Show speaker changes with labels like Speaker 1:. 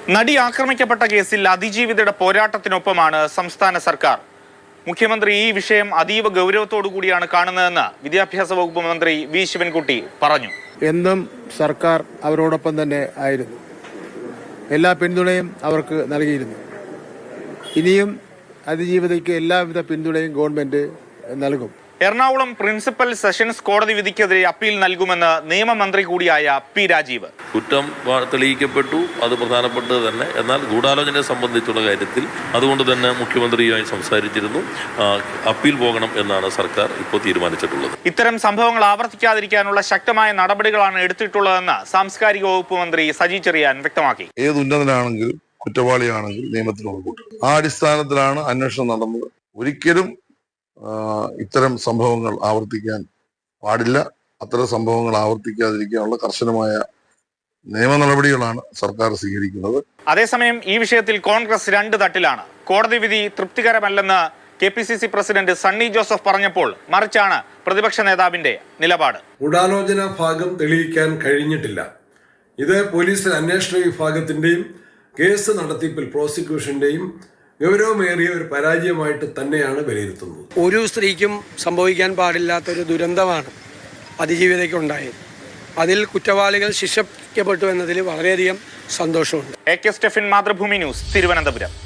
Speaker 1: നടി ആക്രമിക്കപ്പെട്ട കേസിൽ അതിജീവിതയുടെ പോരാട്ടത്തിനൊപ്പമാണ് സംസ്ഥാന സർക്കാർ. മുഖ്യമന്ത്രി ഈ വിഷയം അതീവ ഗൗരവത്തോടു കൂടിയാണ് കാണുന്നതെന്ന് വിദ്യാഭ്യാസ വകുപ്പ് മന്ത്രി വി ശിവൻകുട്ടി പറഞ്ഞു.
Speaker 2: എന്നും സർക്കാർ അവരോടൊപ്പം തന്നെ ആയിരുന്നു. എല്ലാ പിന്തുണയും അവർക്ക് നൽകിയിരുന്നു. ഇനിയും അതിജീവിതയ്ക്ക് എല്ലാവിധ പിന്തുണയും ഗവൺമെന്റ് നൽകും.
Speaker 1: എറണാകുളം പ്രിൻസിപ്പൽ സെഷൻസ് കോടതി വിധിക്കെതിരെ അപ്പീൽ നൽകുമെന്ന് നിയമമന്ത്രി കൂടിയായ പി രാജീവ്.
Speaker 3: കുറ്റം തെളിയിക്കപ്പെട്ടു, അത് പ്രധാനപ്പെട്ടത് തന്നെ. എന്നാൽ ഗൂഢാലോചനയെ സംബന്ധിച്ചുള്ള കാര്യത്തിൽ അതുകൊണ്ട് തന്നെ മുഖ്യമന്ത്രിയുമായി സംസാരിച്ചിരുന്നു. അപ്പീൽ പോകണം എന്നാണ് സർക്കാർ ഇപ്പോൾ തീരുമാനിച്ചിട്ടുള്ളത്.
Speaker 1: ഇത്തരം സംഭവങ്ങൾ ആവർത്തിക്കാതിരിക്കാനുള്ള ശക്തമായ നടപടികളാണ് എടുത്തിട്ടുള്ളതെന്ന് സാംസ്കാരിക വകുപ്പ് മന്ത്രി സജി ചെറിയാൻ വ്യക്തമാക്കി.
Speaker 4: ഏത് ഉന്നതനാണെങ്കിലും കുറ്റവാളിയാണെങ്കിൽ നിയമത്തിന് മുൻകൂട്ടും. ആ അടിസ്ഥാനത്തിലാണ് അന്വേഷണം നടന്നത്. ഒരിക്കലും ഇത്തരം സംഭവങ്ങൾ ആവർത്തിക്കാൻ പാടില്ല. അത്തരം സംഭവങ്ങൾ ആവർത്തിക്കാതിരിക്കാനുള്ള കർശനമായ നിയമ നടപടികളാണ് സർക്കാർ സ്വീകരിക്കുന്നത്.
Speaker 1: അതേസമയം ഈ വിഷയത്തിൽ കോൺഗ്രസ് രണ്ട് തട്ടിലാണ്. കോടതി വിധി തൃപ്തികരമല്ലെന്ന് KPCC പ്രസിഡന്റ് സണ്ണി ജോസഫ് പറഞ്ഞപ്പോൾ മറിച്ചാണ് പ്രതിപക്ഷ നേതാവിന്റെ നിലപാട്.
Speaker 5: ഗൂഢാലോചന ഭാഗം തെളിയിക്കാൻ കഴിഞ്ഞിട്ടില്ല. ഇത് പോലീസ് അന്വേഷണ വിഭാഗത്തിന്റെയും കേസ് നടത്തിപ്പിൽ പ്രോസിക്യൂഷന്റെയും ഗൗരവമേറിയ ഒരു പരാജയമായിട്ട് തന്നെയാണ് വിലയിരുത്തുന്നത്.
Speaker 6: ഒരു സ്ത്രീക്കും സംഭവിക്കാൻ പാടില്ലാത്തൊരു ദുരന്തമാണ് അതിജീവിതയ്ക്കുണ്ടായത്. അതിൽ കുറ്റവാളികൾ ശിക്ഷിക്കപ്പെട്ടു എന്നതിൽ വളരെയധികം സന്തോഷമുണ്ട്.
Speaker 1: AK Stephin, Mathrubhumi news, Thiruvananthapuram.